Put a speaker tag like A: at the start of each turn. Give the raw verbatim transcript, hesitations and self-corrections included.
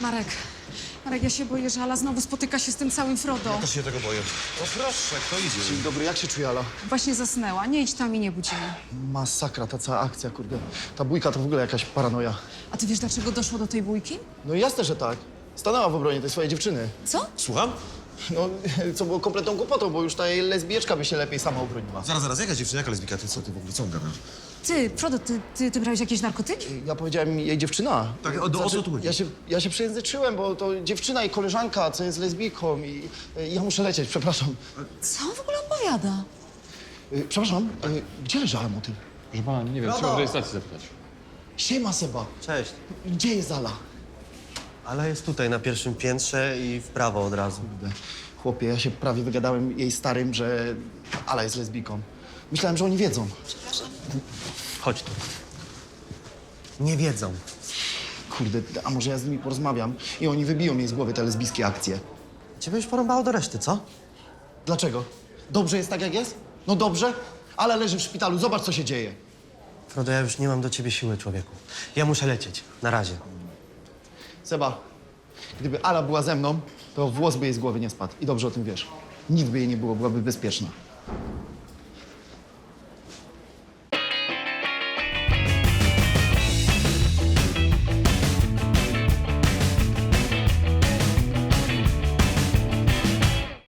A: Marek, Marek, ja się boję, że Ala znowu spotyka się z tym całym Frodo.
B: Też się tego boję. O proszę, kto idzie?
C: Dzień dobry, jak się czuje Ala?
A: Właśnie zasnęła. Nie idź tam i nie budź jej.
C: Masakra, ta cała akcja, kurde. Ta bójka to w ogóle jakaś paranoja.
A: A ty wiesz, dlaczego doszło do tej bójki?
C: No jasne, że tak. Stanęła w obronie tej swojej dziewczyny.
A: Co?
B: Słucham?
C: No, co było kompletną głupotą, bo już ta jej lesbijeczka by się lepiej sama obroniła.
B: Zaraz, zaraz, jaka dziewczyna, jaka lesbika? Ty co, ty w ogóle, co on gada?
A: Ty, Frodo, ty, ty, ty brałeś jakieś narkotyki?
C: Ja powiedziałem jej dziewczyna.
B: Tak, o- o co tu chodzi?
C: Ja się, ja się przejęzyczyłem, bo to dziewczyna i koleżanka, co jest lesbijką i, i ja muszę lecieć, przepraszam.
A: Co on w ogóle opowiada?
C: Y, Przepraszam, y, gdzie leżała motyl?
D: Proszę pana, nie wiem, trzeba w rejestracji zapytać.
C: Siema, Seba.
E: Cześć.
C: Gdzie jest Ala?
E: Ale jest tutaj na pierwszym piętrze i w prawo od razu.
C: Kurde, chłopie, ja się prawie wygadałem jej starym, że Ala jest lesbijką. Myślałem, że oni wiedzą.
E: Chodź tu. Nie wiedzą.
C: Kurde, a może ja z nimi porozmawiam i oni wybiją jej z głowy te lesbijskie akcje.
E: Ciebie już porąbało do reszty, co?
C: Dlaczego? Dobrze jest tak, jak jest? No dobrze, ale leży w szpitalu, zobacz, co się dzieje.
E: Frodo, ja już nie mam do ciebie siły, człowieku. Ja muszę lecieć. Na razie.
C: Seba, gdyby Ala była ze mną, to włos by jej z głowy nie spadł. I dobrze o tym wiesz. Nic by jej nie było, byłaby bezpieczna.